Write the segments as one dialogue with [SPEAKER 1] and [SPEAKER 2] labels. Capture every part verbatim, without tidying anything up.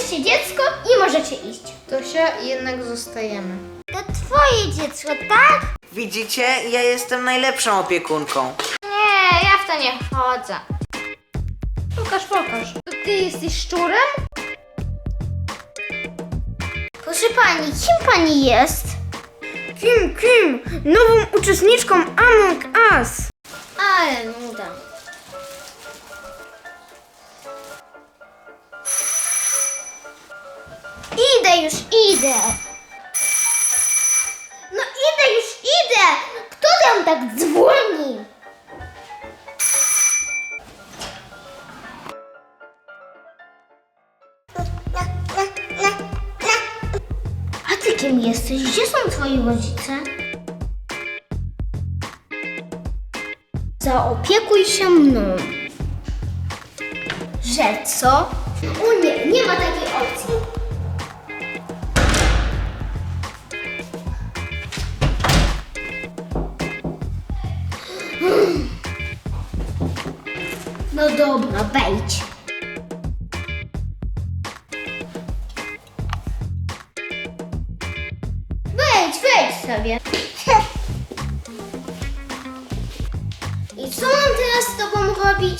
[SPEAKER 1] Weźcie dziecko i możecie iść.
[SPEAKER 2] Tosia, jednak zostajemy.
[SPEAKER 1] To twoje dziecko, tak?
[SPEAKER 3] Widzicie? Ja jestem najlepszą opiekunką.
[SPEAKER 1] Nie, ja w to nie wchodzę.
[SPEAKER 2] Pokaż, pokaż. To ty jesteś szczurem?
[SPEAKER 1] Proszę pani, kim pani jest?
[SPEAKER 2] Kim, kim? Nową uczestniczką Among Us.
[SPEAKER 1] Ale nuda. Idę już, idę. No idę już, idę. Kto tam tak dzwoni? A ty kim jesteś? Gdzie są twoi rodzice? Zaopiekuj się mną. Że co? O nie, nie ma takiej opcji. Hmm. No dobra, wejdź. Wejdź, wejdź sobie. I co mam teraz z tobą robić?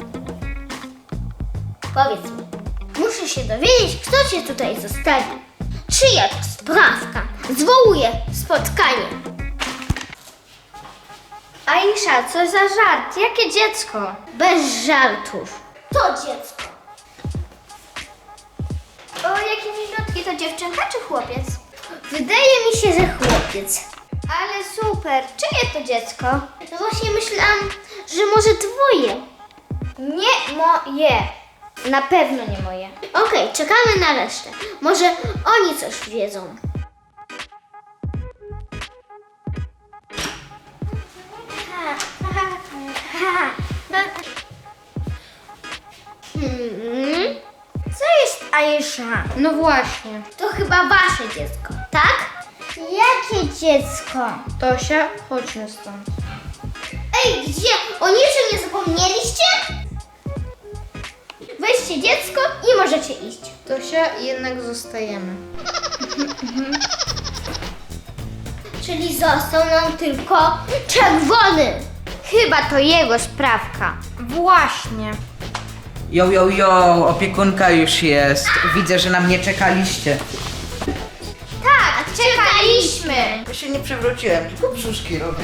[SPEAKER 1] Powiedz mi. Muszę się dowiedzieć, kto cię tutaj zostawił. Czyja to sprawka? Zwołuję spotkanie. Aisza, co za żart? Jakie dziecko? Bez żartów. To dziecko. O, jakie milutki, to dziewczynka czy chłopiec? Wydaje mi się, że chłopiec. Ale super, czyje to dziecko? No właśnie myślałam, że może twoje. Nie moje. Na pewno nie moje. Okej, czekamy na resztę. Może oni coś wiedzą. Hmm. Co jest Aisza?
[SPEAKER 2] No właśnie.
[SPEAKER 1] To chyba wasze dziecko, tak? Jakie dziecko?
[SPEAKER 2] Tosia, chodźmy stąd.
[SPEAKER 1] Ej, gdzie? O niczym nie zapomnieliście? Weźcie dziecko i możecie iść.
[SPEAKER 2] Tosia, jednak zostajemy.
[SPEAKER 1] Czyli został nam tylko czerwony. Chyba to jego sprawka.
[SPEAKER 2] Właśnie.
[SPEAKER 3] Jo, jo, jo, opiekunka już jest. Widzę, że na mnie czekaliście.
[SPEAKER 1] Tak, czekaliśmy.
[SPEAKER 3] Ja się nie przewróciłem, tylko brzuszki robię.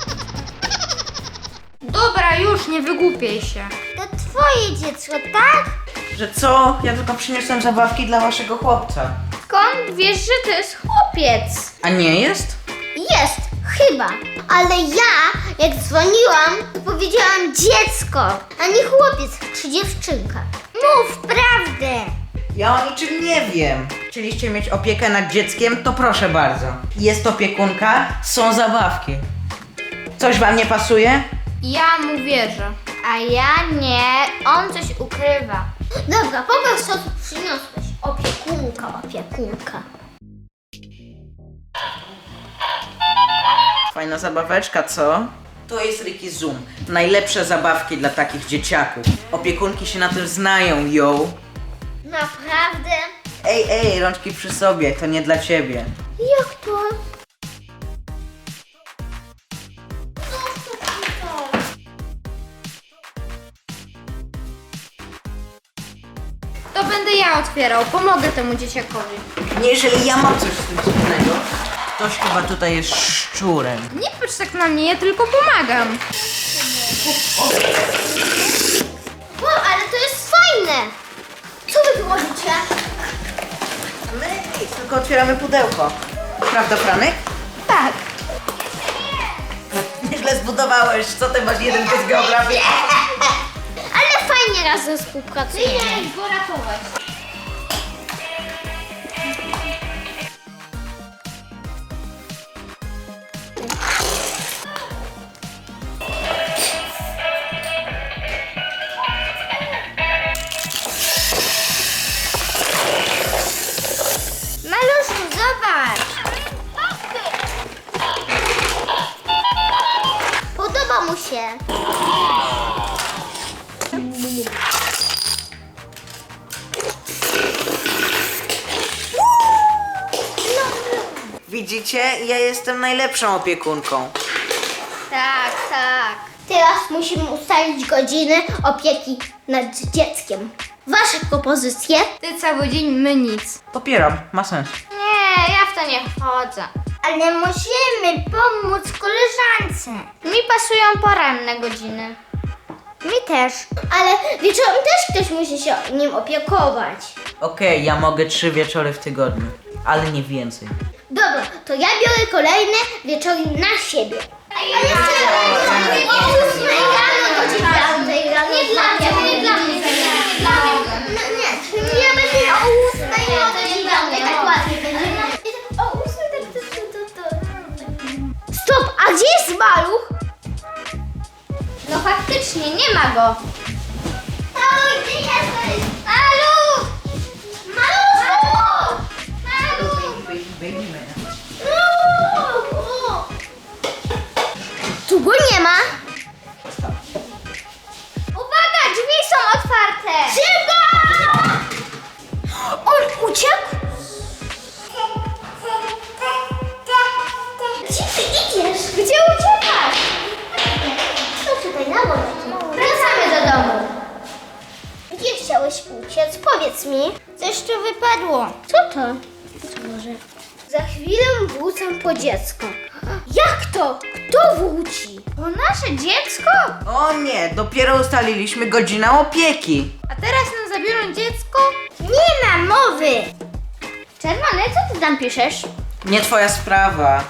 [SPEAKER 2] Dobra, już, nie wygłupiej się.
[SPEAKER 1] To twoje dziecko, tak?
[SPEAKER 3] Że co? Ja tylko przyniosłem zabawki dla waszego chłopca.
[SPEAKER 1] Skąd wiesz, że to jest chłopiec?
[SPEAKER 3] A nie jest?
[SPEAKER 1] Jest, chyba. Ale ja, jak dzwoniłam, to powiedziałam dziecko, a nie chłopiec czy dziewczynka. Mów prawdę.
[SPEAKER 3] Ja o niczym nie wiem. Chcieliście mieć opiekę nad dzieckiem? To proszę bardzo. Jest opiekunka, są zabawki. Coś wam nie pasuje?
[SPEAKER 2] Ja mu wierzę.
[SPEAKER 1] A ja nie, on coś ukrywa. Dobra, pokaż co tu przyniosłeś. Opiekunka, opiekunka.
[SPEAKER 3] Fajna zabaweczka, co? To jest Ricky Zoom. Najlepsze zabawki dla takich dzieciaków. Opiekunki się na tym znają, yo.
[SPEAKER 1] Naprawdę?
[SPEAKER 3] Ej, ej, rączki przy sobie, to nie dla ciebie.
[SPEAKER 1] Jak to?
[SPEAKER 2] To będę ja otwierał, pomogę temu dzieciakowi.
[SPEAKER 3] Nie, jeżeli ja mam coś z tym wspólnego. Ktoś chyba tutaj jest szczurem.
[SPEAKER 2] Nie patrz tak na mnie, ja tylko pomagam.
[SPEAKER 1] Wow, ale to jest fajne! Co wy tu robicie?
[SPEAKER 3] My nic, tylko otwieramy pudełko. Prawda, Franek?
[SPEAKER 1] Tak.
[SPEAKER 3] Nieźle zbudowałeś, co ty masz jedynkę z geografii?
[SPEAKER 1] Ale fajnie razem współpracujemy. Idę go ratować. Maluszku, zobacz. Podoba mu się.
[SPEAKER 3] Widzicie? Ja jestem najlepszą opiekunką.
[SPEAKER 1] Tak, tak. Teraz musimy ustalić godziny opieki nad dzieckiem. Wasze propozycje?
[SPEAKER 2] Ty cały dzień, my nic.
[SPEAKER 3] Popieram, ma sens.
[SPEAKER 1] Nie, ja w to nie wchodzę. Ale musimy pomóc koleżance. Mi pasują poranne godziny. Mi też. Ale wieczorem też ktoś musi się nim opiekować.
[SPEAKER 3] Okej, ja mogę trzy wieczory w tygodniu, ale nie więcej.
[SPEAKER 1] Dobra, to ja biorę kolejne wieczory na siebie. A ja jeszcze o ósmej rano do dziewiątej rano. Nie dla mnie, nie dla mnie. Nie dla mnie. No nie, ja będę o ósmej rano do dziewiątej, tak łatwiej będzie. O ósmej tak to, to, to, to. Stop, a gdzie jest maluch? No faktycznie, nie ma go. Maluch, gdzie jesteś? Maluch! Maluch! Maluch! Tu go nie ma. Uwaga, drzwi są otwarte. Szybko! On uciekł? Gdzie ty idziesz? Gdzie uciekasz? To tutaj na górę. Wracamy do domu. Gdzie chciałeś uciec? Powiedz mi. Coś tu wypadło. Co to? Co może? Za chwilę wrócę po dziecko. Jak to? Kto wróci? Po nasze dziecko?
[SPEAKER 3] O nie, dopiero ustaliliśmy godzinę opieki.
[SPEAKER 2] A teraz nam zabiorą dziecko?
[SPEAKER 1] Nie ma mowy. Czerwony, co ty tam piszesz?
[SPEAKER 3] Nie twoja sprawa.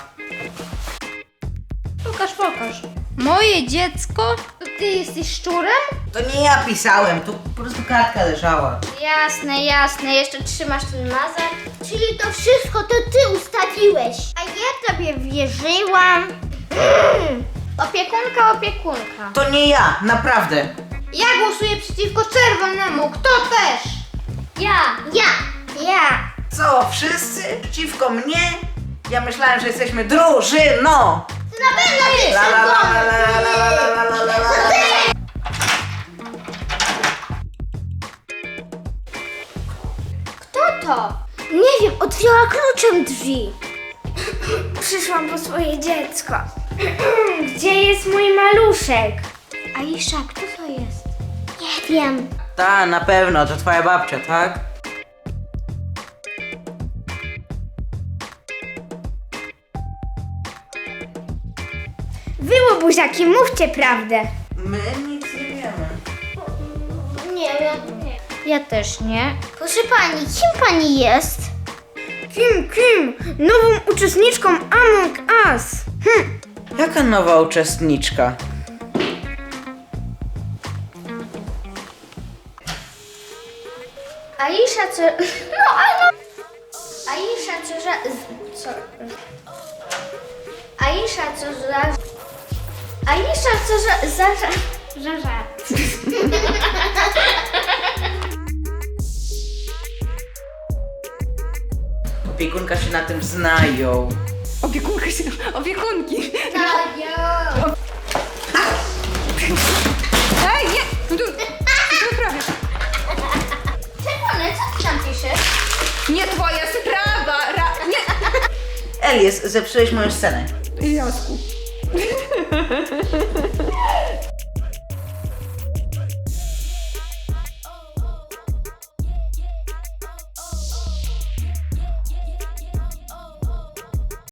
[SPEAKER 2] Pokaż, pokaż. Moje dziecko? To ty jesteś szczurem?
[SPEAKER 3] To nie ja pisałem, tu po prostu kartka leżała.
[SPEAKER 1] Jasne, jasne. Jeszcze trzymasz ten mazak. Czyli to wszystko to ty ustawiłeś. A ja tobie wierzyłam. Mm. Opiekunka, opiekunka.
[SPEAKER 3] To nie ja, naprawdę.
[SPEAKER 2] Ja głosuję przeciwko czerwonemu. Kto też?
[SPEAKER 1] Ja. Ja. Ja.
[SPEAKER 3] Co, wszyscy przeciwko mnie? Ja myślałem, że jesteśmy drużyną.
[SPEAKER 1] Ty na pewno jesteś
[SPEAKER 3] La la la la
[SPEAKER 1] czerwony.
[SPEAKER 3] la la la la la la la.
[SPEAKER 1] Kto to? Nie wiem, otwiera kluczem drzwi. Przyszłam po swoje dziecko. Gdzie jest mój maluszek? Aisza, kto to jest? Nie wiem.
[SPEAKER 3] Ta, na pewno, to twoja babcia, tak?
[SPEAKER 1] Wy, łobuziaki, mówcie prawdę.
[SPEAKER 3] My nic nie wiemy.
[SPEAKER 1] Nie wiem. Nie. Ja też nie. Proszę pani, kim pani jest?
[SPEAKER 2] Kim, kim? Nową uczestniczką Among Us. Hm.
[SPEAKER 3] Jaka nowa uczestniczka?
[SPEAKER 1] Aisza, co... No, ale... Aisza, co za... Co... Aisza, co za... Aisza, co za... za... za... za żart.
[SPEAKER 3] Opiekunka się na tym znają.
[SPEAKER 2] Opiekunka się... Opiekunki.
[SPEAKER 1] Tajo!
[SPEAKER 2] Ej, nie! No tu... Tu prawie.
[SPEAKER 1] Czerwony, co ty tam piszesz?
[SPEAKER 2] Nie twoja sprawa! Ra... Nie!
[SPEAKER 3] Elias, zepsułeś moją scenę.
[SPEAKER 2] Jasku.